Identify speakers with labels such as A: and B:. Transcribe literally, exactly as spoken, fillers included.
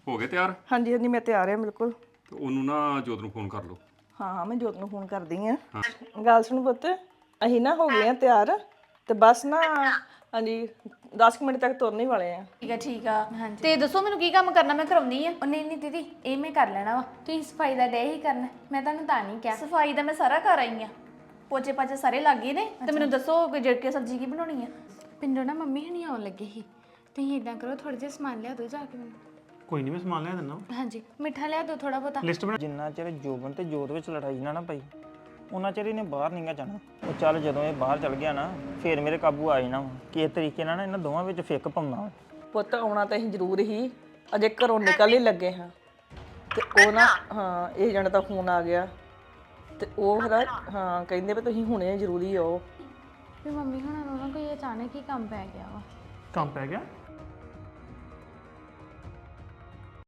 A: ਹੋ ਗਏ ਤਿਆਰ
B: ਹਾਂਜੀ ਹਾਂਜੀ ਮੈਂ ਤਿਆਰ ਹਾਂ ਬਿਲਕੁਲ।
A: ਤੇ ਉਹਨੂੰ ਨਾ ਜੋਤ ਨੂੰ ਫੋਨ ਕਰ ਲਓ।
B: ਹਾਂ ਹਾਂ ਮੈਂ ਜੋਤ ਨੂੰ ਫੋਨ ਕਰਦੀ ਆ। ਗੱਲ ਸੁਣ ਪੁੱਤ, ਅਸੀਂ ਨਾ ਹੋ ਗਏ ਆ ਤਿਆਰ ਤੇ ਬਸ ਨਾ ਹਾਂਜੀ ਦਸ ਕੁ ਮਿੰਟ ਤੱਕ ਤੁਰਨ ਹੀ ਵਾਲੇ ਆ।
C: ਠੀਕ ਆ ਠੀਕ ਆ ਤੇ ਦੱਸੋ ਮੈਨੂੰ ਕੀ ਕੰਮ ਕਰਨਾ, ਮੈਂ ਕਰਾਉਣੀ ਆ। ਨਹੀਂ ਨਹੀਂ ਦੀਦੀ ਇਹ ਮੈਂ ਕਰ ਲੈਣਾ ਵਾ, ਤੁਸੀਂ ਸਫਾਈ ਦਾ ਡੇ ਹੀ ਕਰਨਾ, ਮੈਂ ਤੁਹਾਨੂੰ ਤਾਂ ਨਹੀਂ ਕਿਹਾ। ਸਫਾਈ ਦਾ ਮੈਂ ਸਾਰਾ ਕਰ ਆਈ ਆ, ਪੋਚੇ ਪਾਚੇ ਸਾਰੇ ਲੱਗ ਗਏ ਨੇ। ਤੇ ਮੈਨੂੰ ਦੱਸੋ ਕਿ ਜਿਹੜੀ ਸਬਜ਼ੀ ਕੀ ਬਣਾਉਣੀ ਆ।
D: ਪਿੰਡੋਂ ਨਾ ਮੰਮੀ ਹਣੀ ਆਉਣ ਲੱਗੇ ਸੀ, ਤੁਸੀਂ ਇਦਾਂ ਕਰੋ ਥੋੜਾ ਜਿਹਾ ਸਮਾਨ ਲਿਆ ਦਿਓ ਜਾ ਕੇ ਮੈਨੂੰ।
E: ਕੋਈ ਨਹੀਂ ਮੈਂ ਸਮਾਨ ਲਿਆ ਦਿੰਦਾ।
D: ਹਾਂਜੀ ਮਿੱਠਾ ਲਿਆ ਦਿਓ ਥੋੜਾ ਬਹੁਤਾ।
E: ਲਿਸਟ ਬਣਾ।
F: ਜਿੰਨਾ ਚਿਰ ਜੋਬਨ ਤੇ ਜੋਤ ਵਿੱਚ ਲੜਾਈ ਨਾ ਨਾ ਪਈ ਉਹਨਾਂ ਚਿਰ ਇਹਨੇ ਬਾਹਰ ਨਹੀਂਗਾ ਜਾਣਾ। ਉਹ ਚੱਲ ਜਦੋਂ ਇਹ ਬਾਹਰ ਚਲ ਗਿਆ ਨਾ ਫੇਰ ਮੇਰੇ ਕਾਬੂ ਆ ਜਾਣਾ। ਕਿਸ ਤਰੀਕੇ ਨਾਲ ਨਾ ਇਹਨਾਂ ਦੋਵਾਂ ਵਿੱਚ ਫਿੱਕ ਪਾਉਣਾ।
B: ਪੁੱਤ ਆਉਣਾ ਤਾਂ ਅਸੀਂ ਜ਼ਰੂਰ ਹੀ, ਅਜੇ ਘਰੋਂ ਨਿਕਲ ਹੀ ਲੱਗੇ ਹਾਂ ਤੇ ਉਹ ਨਾ ਹਾਂ ਇਹ ਜਣ ਦਾ ਫੋਨ ਆ ਗਿਆ ਤੇ ਉਹ ਫਿਰ ਹਾਂ ਕਹਿੰਦੇ ਵੀ ਤੁਸੀਂ ਹੁਣੇ ਜ਼ਰੂਰੀ ਆਓ।
D: ਵੀ ਮੰਮੀ ਹੁਣਾਂ ਨੂੰ ਨਾ ਕੋਈ ਅਚਾਨਕ ਹੀ ਕੰਮ ਪੈ ਗਿਆ ਵਾ।
E: ਕੰਮ ਪੈ ਗਿਆ?